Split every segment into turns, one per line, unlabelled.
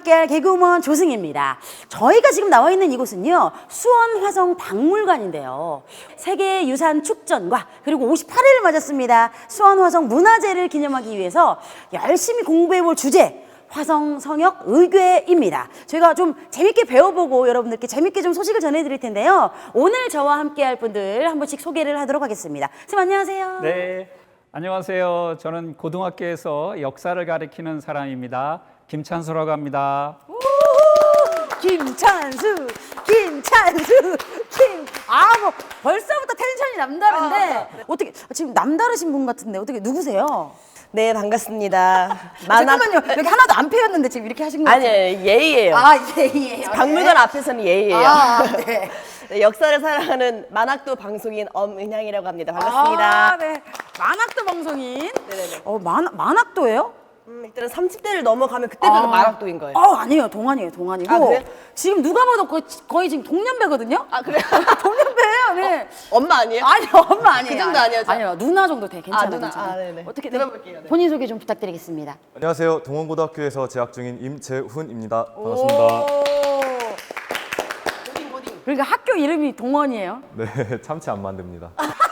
함께할 개그우먼 조승입니다. 저희가 지금 나와 있는 이곳은요, 수원화성박물관인데요. 세계유산 축전과 그리고 58회를 맞았습니다. 수원화성 문화재를 기념하기 위해서 열심히 공부해볼 주제, 화성성역 의궤입니다. 저희가 좀 재밌게 배워보고 여러분들께 재밌게 좀 소식을 전해드릴 텐데요. 오늘 저와 함께할 분들 한 분씩 소개를 하도록 하겠습니다. 선생님 안녕하세요.
네, 안녕하세요. 저는 고등학교에서 역사를 가르치는 사람입니다. 김찬수라고 합니다.
김찬수. 뭐 벌써부터 텐션이 남다른데 어떻게 지금 남다르신 분 같은데 어떻게 누구세요?
네, 반갑습니다.
잠깐만요. 여기 하나도 안 패였는데 지금 이렇게 하신 거 같아요.
아니에요, 예의예요.
아, 예의예요.
박물관 앞에서는 예의예요.
아, 네.
네, 역사를 사랑하는 만학도 방송인 엄은향이라고 합니다. 반갑습니다.
아, 네. 만학도 방송인.
네네네.
만학도예요?
일단은 30대를 넘어가면 그때부터 만학도인 거예요.
아니에요. 동안이고.
아, 그래요?
지금 누가 봐도 거의 지금 동년배거든요?
아, 그래요?
동년배예요, 네.
엄마 아니에요?
아니요, 엄마 아니에요.
그 정도 아니었죠?
아니요, 누나 정도 돼. 괜찮아,
누나.
괜찮아.
아, 네네.
어떻게
들어볼게요. 네.
본인 소개 좀 부탁드리겠습니다.
안녕하세요. 동원고등학교에서 재학 중인 임재훈입니다. 반갑습니다.
그러니까 학교 이름이 동원이에요.
네, 참치 안 만듭니다.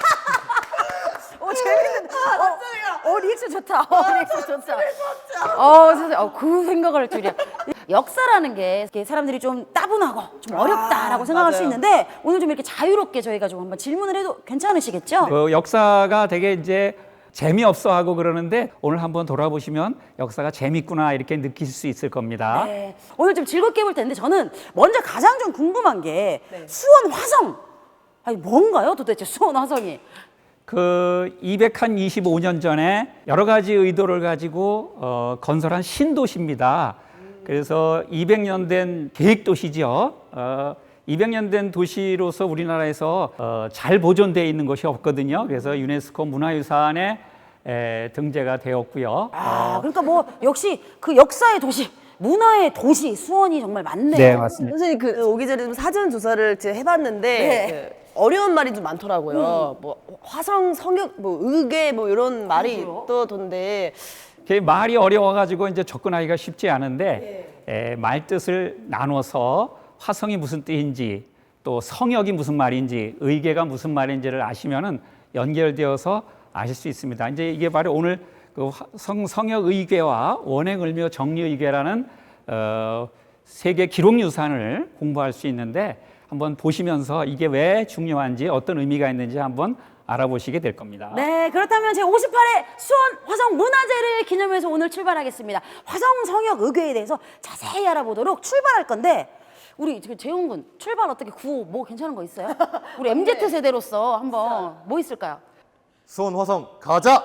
재밌는데. 리액션 좋다. 리액션 좋다. 선생님, 그 생각을 할 줄이야. 역사라는 게 이렇게 사람들이 좀 따분하고 좀 어렵다라고 생각할 수
맞아요.
있는데 오늘 좀 이렇게 자유롭게 저희가 좀 한번 질문을 해도 괜찮으시겠죠?
그 역사가 되게 이제 재미없어 하고 그러는데 오늘 한번 돌아보시면 역사가 재밌구나 이렇게 느끼실 수 있을 겁니다.
네. 오늘 좀 즐겁게 해볼 텐데 저는 먼저 가장 좀 궁금한 게 수원 화성. 아니 뭔가요 도대체 수원 화성이?
그 225년 전에 여러 가지 의도를 가지고 건설한 신도시입니다. 그래서 200년 된 계획도시죠. 200년 된 도시로서 우리나라에서 잘 보존되어 있는 것이 없거든요. 그래서 유네스코 문화유산에 등재가 되었고요.
그러니까 뭐 역시 그 역사의 도시, 문화의 도시 수원이 정말 많네요.
네, 맞습니다.
선생님, 그 오기 전에 좀 사전 조사를 제가 해봤는데
네.
그 어려운 말이 좀 많더라고요. 뭐 화성, 성역, 뭐 의궤 뭐 이런 말이 있던데.
그 말이 어려워가지고 이제 접근하기가 쉽지 않은데 말 뜻을 나눠서 화성이 무슨 뜻인지 또 성역이 무슨 말인지 의궤가 무슨 말인지를 아시면은 연결되어서 아실 수 있습니다. 이제 이게 바로 오늘 그 성역 의궤와 원행을묘 정리의궤라는 세계 기록유산을 공부할 수 있는데 한번 보시면서 이게 왜 중요한지 어떤 의미가 있는지 한번 알아보시게 될 겁니다.
네, 그렇다면 제58회 수원 화성 문화재를 기념해서 오늘 출발하겠습니다. 화성 성역 의궤에 대해서 자세히 알아보도록 출발할 건데 우리 재훈 군 출발 어떻게 구호 뭐 괜찮은 거 있어요? 우리 MZ 세대로서 한번 뭐 있을까요?
수원 화성 가자!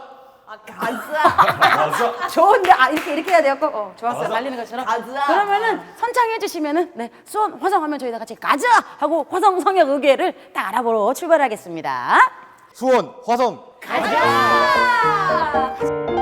가자.
좋은데 이렇게 해야 돼요. 좋았어요. 달리는 것처럼.
가자.
그러면은 선창해 주시면은 네 수원 화성 하면 저희 다 같이 가자 하고 화성 성역 의궤를 딱 알아보러 출발하겠습니다.
수원 화성
가자.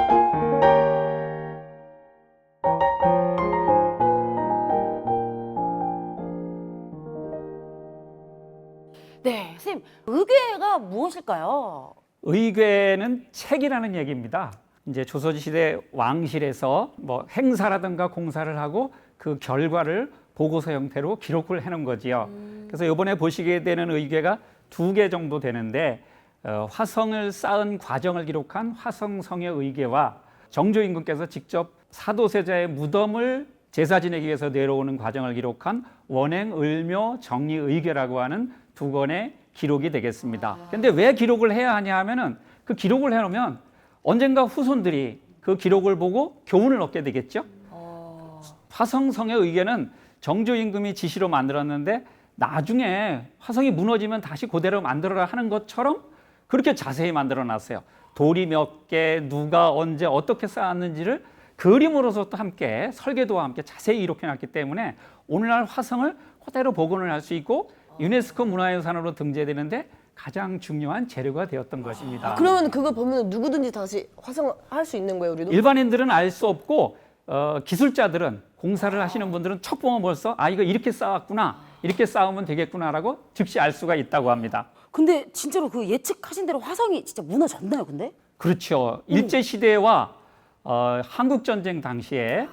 네, 선생님 의궤가 무엇일까요?
의궤는 책이라는 얘기입니다. 이제 조선시대 왕실에서 뭐 행사라든가 공사를 하고 그 결과를 보고서 형태로 기록을 해놓은 거지요. 그래서 이번에 보시게 되는 의궤가 2개 정도 되는데 화성을 쌓은 과정을 기록한 화성성의 의궤와 정조임금께서 직접 사도세자의 무덤을 제사 지내기 위해서 내려오는 과정을 기록한 원행을묘 정리의궤라고 하는 2권의 기록이 되겠습니다. 그런데 왜 기록을 해야 하냐 하면은 그 기록을 해놓으면 언젠가 후손들이 그 기록을 보고 교훈을 얻게 되겠죠. 화성성의 의궤는 정조임금이 지시로 만들었는데 나중에 화성이 무너지면 다시 그대로 만들어라 하는 것처럼 그렇게 자세히 만들어 놨어요. 돌이 몇 개, 누가 언제 어떻게 쌓았는지를 그림으로서도 함께 설계도와 함께 자세히 이렇게 놨기 때문에 오늘날 화성을 그대로 복원을 할 수 있고 유네스코 문화유산으로 등재되는데 가장 중요한 재료가 되었던 것입니다.
그러면 그거 보면 누구든지 다시 화성할 수 있는 거예요, 우리도?
일반인들은 알 수 없고 기술자들은 공사를 하시는 분들은 첫 보면 벌써 이거 이렇게 쌓았구나, 이렇게 쌓으면 되겠구나라고 즉시 알 수가 있다고 합니다.
근데 진짜로 그 예측하신 대로 화성이 진짜 무너졌나요, 근데?
그렇죠. 일제 시대와 한국 전쟁 당시에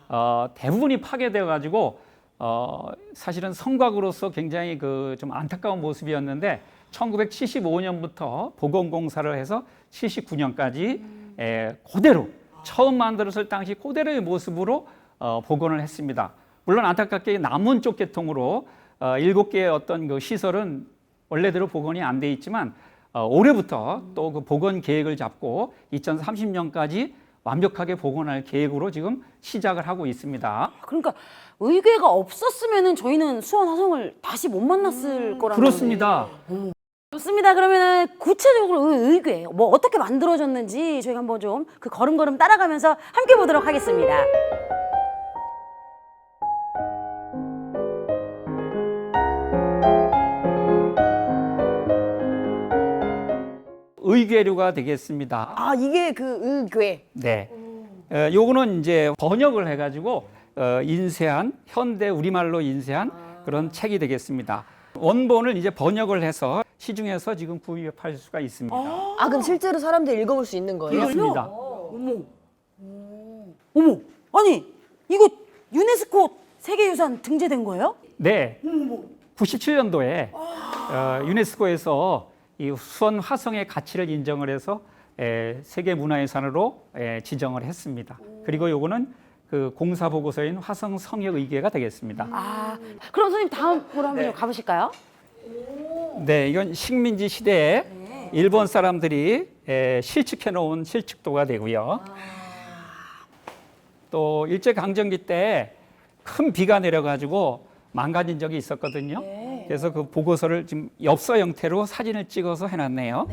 대부분이 파괴되어 가지고 사실은 성곽으로서 굉장히 그 좀 안타까운 모습이었는데 1975년부터 보건공사를 해서 79년까지 그대로 처음 만들었을 당시 그대로의 모습으로 복원을 했습니다. 물론 안타깝게 남문 쪽 계통으로 7개의 어떤 그 시설은 원래대로 복원이 안 돼 있지만 올해부터 또 그 복원 계획을 잡고 2030년까지 완벽하게 복원할 계획으로 지금 시작을 하고 있습니다.
그러니까 의궤가 없었으면은 저희는 수원 화성을 다시 못 만났을 거라는.
그렇습니다.
좋습니다. 그러면은 구체적으로 의궤 뭐 어떻게 만들어졌는지 저희가 한번 좀 그 걸음걸음 따라가면서 함께 보도록 하겠습니다.
의궤류가 되겠습니다.
아, 이게 그 의궤.
네. 요거는 이제 번역을 해가지고 인쇄한 현대 우리말로 인쇄한 그런 책이 되겠습니다. 원본을 이제 번역을 해서 시중에서 지금 구입할 수가 있습니다.
아, 그럼 실제로 사람들이 읽어볼 수 있는 거예요?
그렇습니다.
어머. 어머. 아니, 이거 유네스코 세계유산 등재된 거예요?
네. 97년도에 유네스코에서 이 수원 화성의 가치를 인정을 해서 세계 문화유산으로 지정을 했습니다. 그리고 요거는 그 공사 보고서인 화성 성역 의궤가 되겠습니다.
아, 그럼 선생님 다음으로 한번 좀 가보실까요?
네, 이건 식민지 시대에 일본 사람들이 실측해 놓은 실측도가 되고요. 또 일제 강점기 때 큰 비가 내려가지고 망가진 적이 있었거든요. 그래서 그 보고서를 지금 엽서 형태로 사진을 찍어서 해놨네요.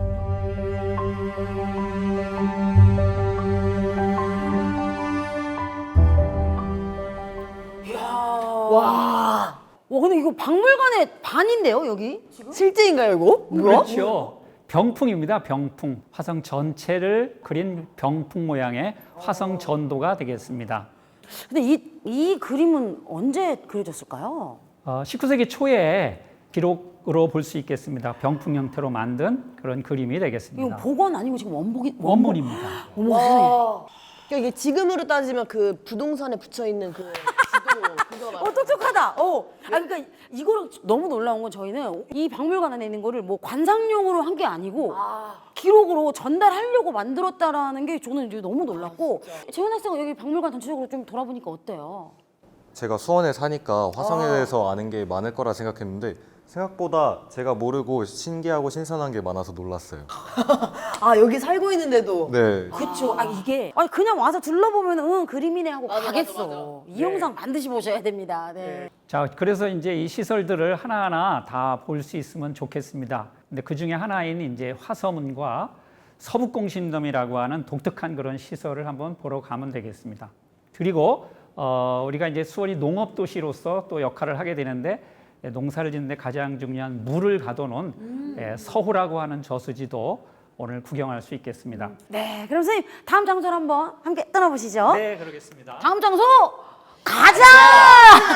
와,
와, 근데 이거 박물관의 반인데요, 여기?
실제인가요, 이거? 뭐야?
그렇죠. 병풍입니다. 병풍. 화성 전체를 그린 병풍 모양의 화성 전도가 되겠습니다.
근데 이 그림은 언제 그려졌을까요?
19세기 초에 기록으로 볼 수 있겠습니다. 병풍 형태로 만든 그런 그림이
이거
되겠습니다.
복원 아니고 지금
원본입니다.
어머, 세상에.
그러니까 이게 지금으로 따지면 그 부동산에 붙여 있는 그 지도 그거 말이야.
똑똑하다. 그러니까 이거를 너무 놀라운 건 저희는 이 박물관 안에 있는 거를 뭐 관상용으로 한 게 아니고 기록으로 전달하려고 만들었다라는 게 저는 이제 너무 놀랐고. 재현 학생 여기 박물관 전체적으로 좀 돌아보니까 어때요?
제가 수원에 사니까 화성에 대해서 아는 게 많을 거라 생각했는데 생각보다 제가 모르고 신기하고 신선한 게 많아서 놀랐어요.
아, 여기 살고 있는데도.
네.
그쵸. 이게 아니 그냥 와서 둘러보면 그림이네 하고 가겠어.
맞아.
이 영상 반드시 보셔야 됩니다. 네.
자, 그래서 이제 이 시설들을 하나하나 다 볼 수 있으면 좋겠습니다. 근데 그 중에 하나인 이제 화서문과 서북공신점이라고 하는 독특한 그런 시설을 한번 보러 가면 되겠습니다. 그리고 우리가 이제 수원이 농업도시로서 또 역할을 하게 되는데 농사를 짓는데 가장 중요한 물을 가둬놓은 서후라고 하는 저수지도 오늘 구경할 수 있겠습니다.
네. 그럼 선생님 다음 장소로 한번 함께 떠나보시죠.
네, 그러겠습니다.
다음 장소 가자!